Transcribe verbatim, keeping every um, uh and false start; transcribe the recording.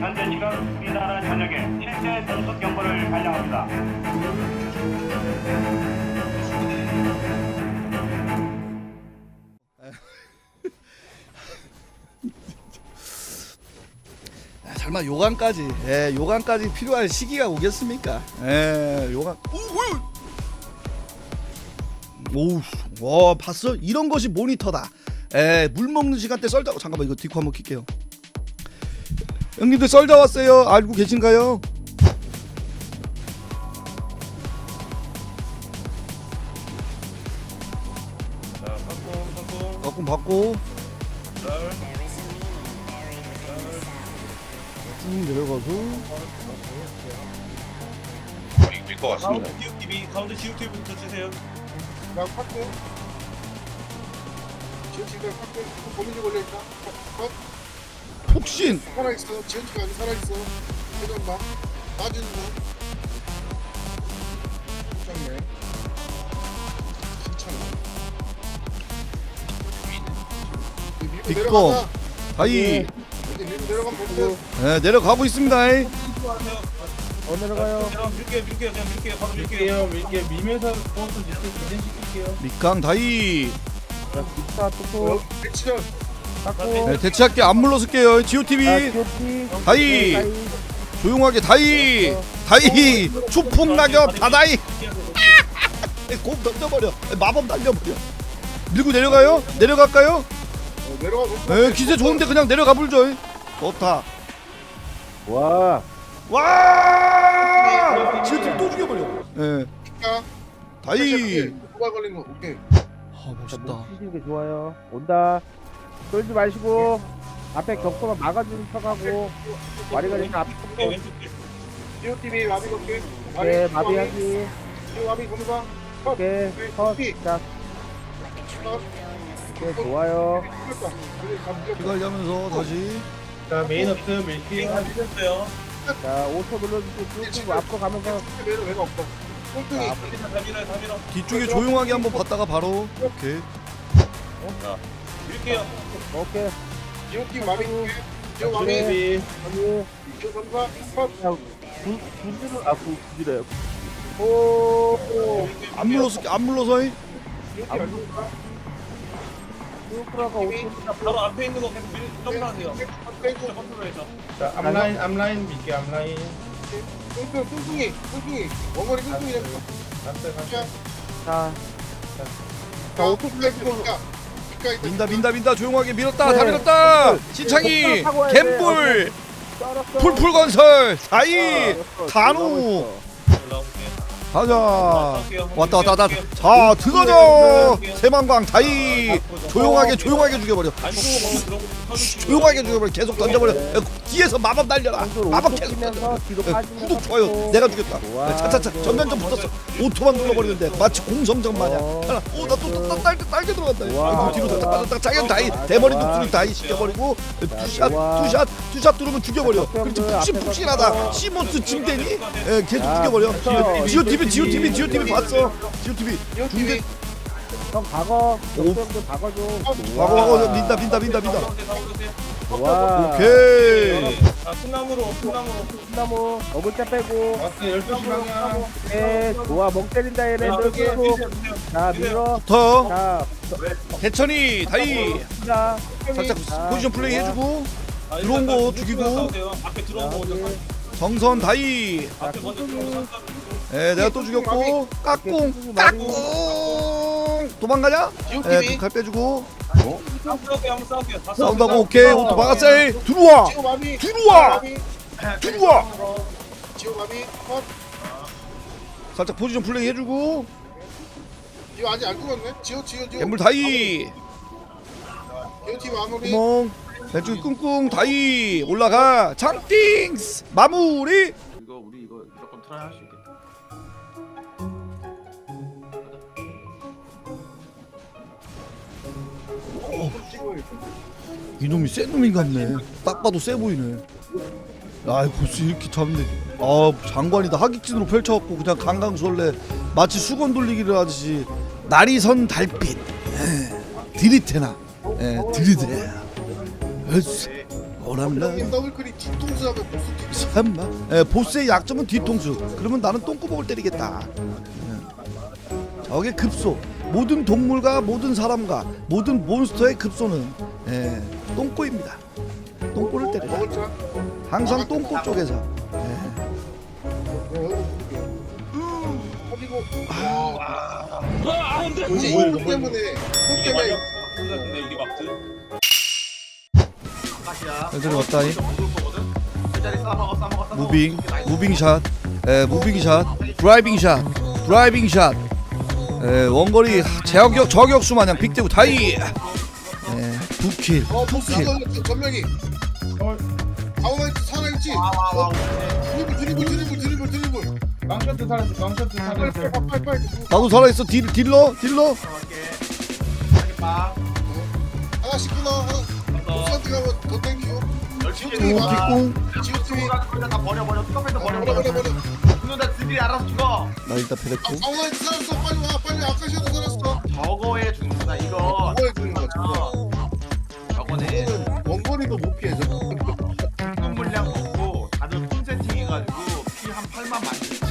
현재 시각 우리나라 전역에 실제 등속 경보를 발령합니다. 설마 요강까지, 예, 요강까지 필요할 시기가 오겠습니까? 예, 요강. 오우, 와, 봤어? 이런 것이 모니터다. 예, 물 먹는 시간대 썰자. 잠깐만, 이거 디코 한번 킬게요. 형님들 썰자 왔어요. 알고 계신가요? 자, 바꿈, 바꿈. 가끔 받고 썰. 쭉 내려가서 밀것 같습니다. 가운데 지우티비, 가운데 지우티비부터 주세요. 나 파크 지원치가 파크 고민이 걸려있다. 컷 폭신. 살아있어. 지원치가 아직 살아있어. 회전 봐. 빠지는 거. 걱정네. 괜찮아. 밀고 뒷거. 내려가자. 다이. 이제 밀고 내려가면 될 듯. 예, 내려가고 있습니다. 이. 어 내려가요. 그냥 밀게요, 밀게요, 그냥 밀게요, 바로 밀게요. 밀게요. 밀게 밀면서 보스 밑에 진행시킬게요. 밑강 다이. 자, 기타 뚜껑 어, 액션. 닦고. 네, 대체할게. 안 물러설게요. 지오티비. 자, 티오피. 다이. 다이. 조용하게 다이. 다이. 추풍 낙엽 다다이. 곰 던져버려. 마법 날려버려. 밀고 내려가요? 내려갈까요? 어, 내려가. 에 기세 좋은데 그냥 내려가 불죠. 좋다. 와. 와! 지오티비 또 죽여버려. 예. 자, 다이. 도발 걸린 거. 오케이. 아 자, 멋있다. 목 치시는 게 좋아요. 온다. 쫄지 마시고 앞에 격도만 막아주는 척하고 와리가 되면 앞에 왼쪽, 왼쪽 길. 지오티비 마비 걸게. 네, 마비하기. 지오 마비 검사. 컷. 오케이. 컷. 자, 컷. 오케이, 좋아요. 됐다. 이제 감겨. 피관리하면서 다시. 자, 메인 업트 밀게요. 다 밀었어요. 자, 오 초 눌러주시고 쭉 앞으로 가면서 매력 외가 없다. 꼴등이. 다 밀어요, 다 밀어. 뒤쪽에 조용하게 한번 봤다가 바로. 오케이. 밀게요. 오케이. 지오티 마비. 지오 마비. 마비. 지오 검사. 컷. 구, 구지를 아, 구, 구지래요. 오. 안 물러서 안 물러서. 이. 지오티 알고 슈프라가 오 초. 바로 앞에 있는 거 계속 밀, 점프하세요. 빼고. 컨트롤해서. 자, 앞라인, 앞라인 밀게, 앞라인. 뚱뚱 뚱뚱이. 뚱뚱이. 원거리 뚱뚱이 잡고. 갔어요, 갔어요. 자. 자, 오 초 플레이고. 민다 민다 민다 조용하게 밀었다 다 밀었다. 신창이 갬불 풀풀 건설 사이 단우 올라오세요. 가자. 왔다 왔다 왔다. 자 들어져. 세만광 다이. 조용하게 조용하게 죽여버려. 조용하게 죽여버려. 계속 던져버려. 야, 뒤에서 마법 날려라. 마법 계속 던져버려. 뒤로 야, 빠지면서 구독 좋아요. 내가 죽였다. 좋아. 차차차 전면전 붙었어. 오토만 눌러버리는데 마치 공성전 마냥. 어. 하나. 오나또또 딸게 딸게 들어간다. 좋아. 아이고, 뒤로 좋아. 빠졌다. 자기 대머리 좋아. 대머리 좋아. 독수리 다이 시켜버리고 투샷 좋아. 투샷 투샷 뚫으면 죽여버려. 자, 그렇지 덕분들 푹신 앞에서 푹신하다. 서. 시몬스 짐대니 예, 계속 자, 죽여버려. 됐어. 지오티비 지오티비 지오티비 봤어. 지오티비 지오티비. 형 박어. 오. 역전도 박어줘. 와고 와고 민다 민다 민다 민다. 좋아. 오케이. 자, 풍나무로, 풍나무로. 나무 먹을 때 빼고. 왔어요, 열두 시 방향. 네, 좋아. 멍 때린다 얘네. 여기, 쭉. 자, 밀어. 더 자, 대천이 다이 자. 살짝 자, 포지션 플레이 좋아. 해주고 아, 들어온 일단 거 그 죽이고. 싸우세요. 앞에 들어온 거 먼저 여기. 정선 다이. 자, 앞에 먼저 들어온 거 싹 예, 내가 또 죽였고 까꿍 까꿍 도망가냐? 예, 지오티비. 칼 빼주고 싸울게요, 한번 싸울게요. 다 싸운다고 싸우고. 오케이 오토 막았어요. 들어와 지오 마비. 들어와 마비. 들어와. 지오 마비. 컷. 살짝 포지션 플레이 해주고 지오 아직 안 죽었네. 지오 지오 지오. 갬물 다이 지오티 마무리. 구멍 왼쪽에 꿍꿍 다이 올라가 장띵스 마무리. 이거 우리 이거 무조건 트라이 할 수 있겠다. 이놈이 센 놈인 같네. 딱 봐도 세 보이네. 아 벌써 이렇게 잡네. 아 장관이다. 하객진으로 펼쳐갖고 그냥 강강술래 마치 수건 돌리기를 하듯이 날이 선 달빛. 에, 들이테나. 에, 들이대. 으쌰. 오람라 더블클릭 뒤통수 하면 보스 뒤통수. 설마. 예, 보스의 약점은 뒤통수. 그러면 나는 똥구멍을 때리겠다. 예. 저게 급소. 모든 동물과 모든 사람과 모든 몬스터의 급소는 예, 똥꼬입니다. 똥꼬를 때리라. 먹을 줄 알아? 항상 똥꼬 쪽에서. 예. 그리고 아, 이제 이것 때문에 이것 이게 때문에 마크 같은데 이게 마크? 아까시야. 애들이 왔다니. 먹을 거거든. 세 자리 싸먹어 싸먹어 싸먹어. 무빙, 무빙 샷, 에, 무빙 샷, 드라이빙 샷, 드라이빙 샷, 에, 원거리 제어격 저격수 마냥 빅대구 다이, 에, 두킬, 어 보스 두킬. 이거 전명이 가오나이트 살아있지? 와와와. 드리블 드리블 드리블 드리블 드리블 깡셔트 살았어 깡셔트 빨리 살았어 빨리 빨리 빨리 나도 살아있어. 딜, 딜러, 딜러. 들어갈게. 빠. 하나씩 끊어 하나 보스한테 가면 더 땡기고 열심히 오, 뒷공. 지우팀이 가지고 다 버려 버려. 픽업해서 버려 버려 버려 버려. 버려 누나 들이 알아서 죽어. 나 일단 아, 패랬고. 가오나이트 살았어 빨리 와 빨리 아카시아도 살았어 저거에 죽는다 이거. 뭐해 주는 거야 저거 어. 저거네. 이거는 원거리도 못 피해 저거 공급 물량 먹고 다들 품 세팅해가지고 피 한 팔만 만들.